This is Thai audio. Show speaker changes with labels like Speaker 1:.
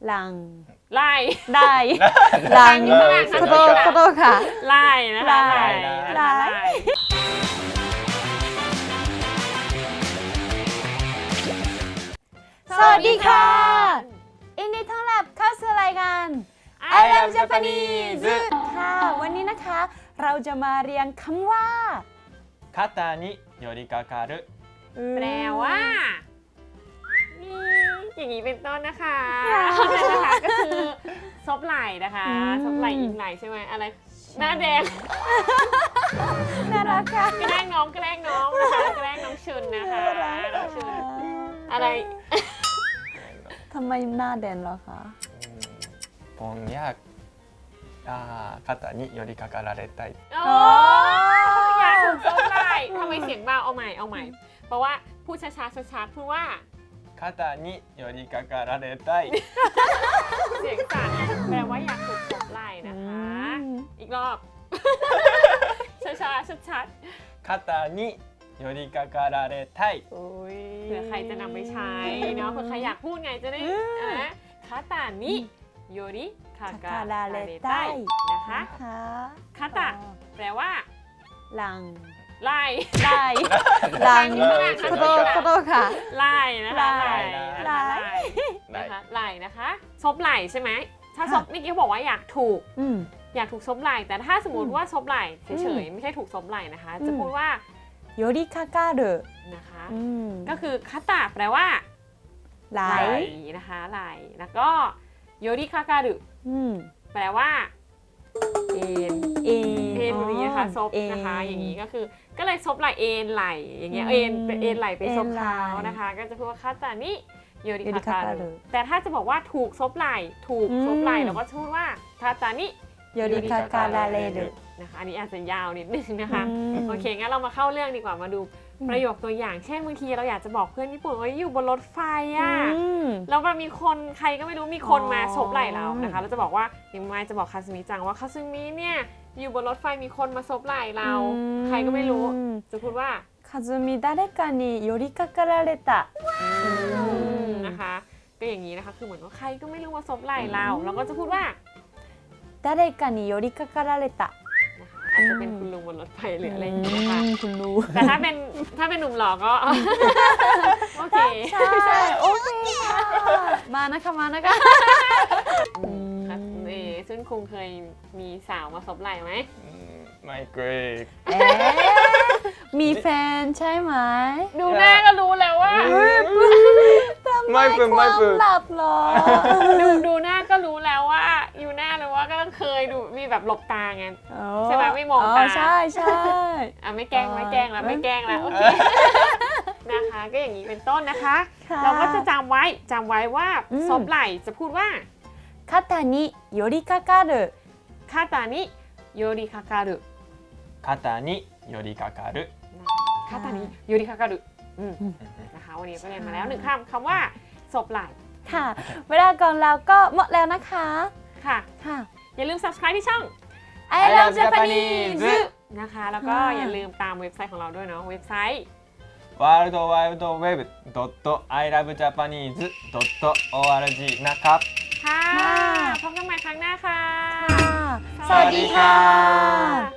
Speaker 1: หลัง
Speaker 2: ไล่
Speaker 1: ได้หลังขอโทษค่ะ
Speaker 2: ไล่นะคะไล่นะคะไล่
Speaker 1: สวัสดีค่ะยินดีต้อนรับเข้าสู่รายการ I Love Japanese ค่ะวันนี้นะคะเราจะมาเรียนคำว่า
Speaker 3: 肩に寄りかかる
Speaker 2: แปลว่าอย่างนี้เป็นต้นนะคะนะคะก็คือซบไหล่นะคะซบไหล่อีกไหล่ใช่ไหมอะไรหน้าแดง
Speaker 1: น่ารักค่ะ
Speaker 2: แกล้งน้องนะคะแกล้งน้องชุนนะคะน้องชุนอะไร
Speaker 1: ทำไมหน้าแดงเหรอคะ
Speaker 3: ぼんや肩に寄りかかられたい
Speaker 2: โอ้อยากถูกซบไหล่ทำไมเสียงเบาเอาใหม่เพราะว่าพูดช้าๆชัดๆพูดว่า
Speaker 3: 肩に寄りかかられたい
Speaker 2: เสียงสั่นแปลว่าอยากถูกซบไหล่นะคะอีกรอบช้าๆชัด
Speaker 3: 肩に寄りかかられたい
Speaker 2: ๆเผื่อใครจะนำไปใช้เนาะเผื่อใครอยากพูดไงจะได้นะคาตานิโยริคากาลาเรไตนะคะคาตะแปลว่า
Speaker 1: หลัง
Speaker 2: ไล่
Speaker 1: หลังขอโทษค่ะ
Speaker 2: ไล่นะคะ
Speaker 1: ไล่
Speaker 2: นะคะไล่นะคะซบไหล่ใช่ไหมถ้าซบเมื่อกี้เขาบอกว่าอยากถูกซบไหล่แต่ถ้าสมมติว่าซบไหล่เฉยๆไม่ใช่ถูกซบไหล่นะคะจะพูดว่า
Speaker 1: โยริคาการุ
Speaker 2: นะคะก็คือคาตะแปลว่าไหล่นะคะไหล่แล้วก็โยริคาการุแปลว่าเอ็นแบบนี้นะคะซบนะคะอย่างนี้ก็คือก็เลยซบไหล่เอ็นไหล่อย่างเงี้ยเอ็นไหล่ไปซบเท้านะคะก็จะพูดว่าคาตานิโยริคาการุแต่ถ้าจะบอกว่าถูกซบไหล่เราก็พูดว่าคาตานิ
Speaker 1: โยริคาการาเรรุ
Speaker 2: นะคะอันนี้อาจจะยาวนิดนึงนะคะโอเคงั้นเรามาเข้าเรื่องดีกว่ามาดูประโยคตัวอย่างเช่นบางทีเราอยากจะบอกเพื่อนญี่ปุ่นว่าอยู่บนรถไฟอ่ะแล้วมันมีคนใครก็ไม่รู้มีคนมาซบไหล่เรานะคะเราจะบอกว่าอย่างไม่จะบอกคาซึมิจังว่าคาซึมิเนี่ยอยู่บนรถไฟมีคนมาซบไหล่เราใครก็ไม่รู้จะพูดว่า
Speaker 1: คาซึมิ誰かに寄りかかられた
Speaker 2: นะคะก็อย่างนี้นะคะคือเหมือนว่าใครก็ไม่รู้ว่าซบไหล่เราก็จะพูดว่า
Speaker 1: 誰かに寄りかかられた
Speaker 2: อาจจะเป็นคุณลุงบนรถไฟหรืออะไรอย่างนี้ค่ะ
Speaker 1: คุณลุง
Speaker 2: แต่ถ้าเป็นหนุ่มหล่อก็โอเค
Speaker 1: ใช่โอเคมานะคะ
Speaker 2: ซึ่งคุงเคยมีสาวมาซบไหล่ไหม
Speaker 3: ไม่เคย
Speaker 1: มีแฟนใช่ไหม
Speaker 2: ดูหน้าก็รู้แล้วว่า
Speaker 3: ไม่เป็น
Speaker 1: หลับหรอ
Speaker 2: ดูหน้าก็รู้แล้วว่าอยู่หน้าเลยว่าก็ต้องเคยดูมีแบบหลบตาไงใช่ไหมไม่มองตา
Speaker 1: ใช่
Speaker 2: ไม่แกล้งแล้วโอเคนะคะก็อย่างนี้เป็นต้นนะคะเราก็จะจำไว้ว่าซบไหล่จะพูดว่า
Speaker 1: 肩に寄りかかる
Speaker 2: 肩に寄りかかる
Speaker 3: 肩に寄りかかる
Speaker 2: 肩に寄りかかるนะคะวันนี้ก็เรียนมาแล้ว1คำว่าซบไหล่
Speaker 1: ค่ะเวลาก่อนเราก็หมดแล้วนะคะ
Speaker 2: ค่ะอย่าลืม subscribe ที่ช่อง
Speaker 1: I Love Japanese
Speaker 2: นะคะแล้วก็อย่าลืมตามเว็บไซต์ของเราด้วยเนาะเว็บไซต์
Speaker 3: worldwideweb.ilovejapanese.org นะครับ
Speaker 2: ค่ะพบกันใหม่ครั้งหน้าค่ะ
Speaker 1: สวัสดีค่ะ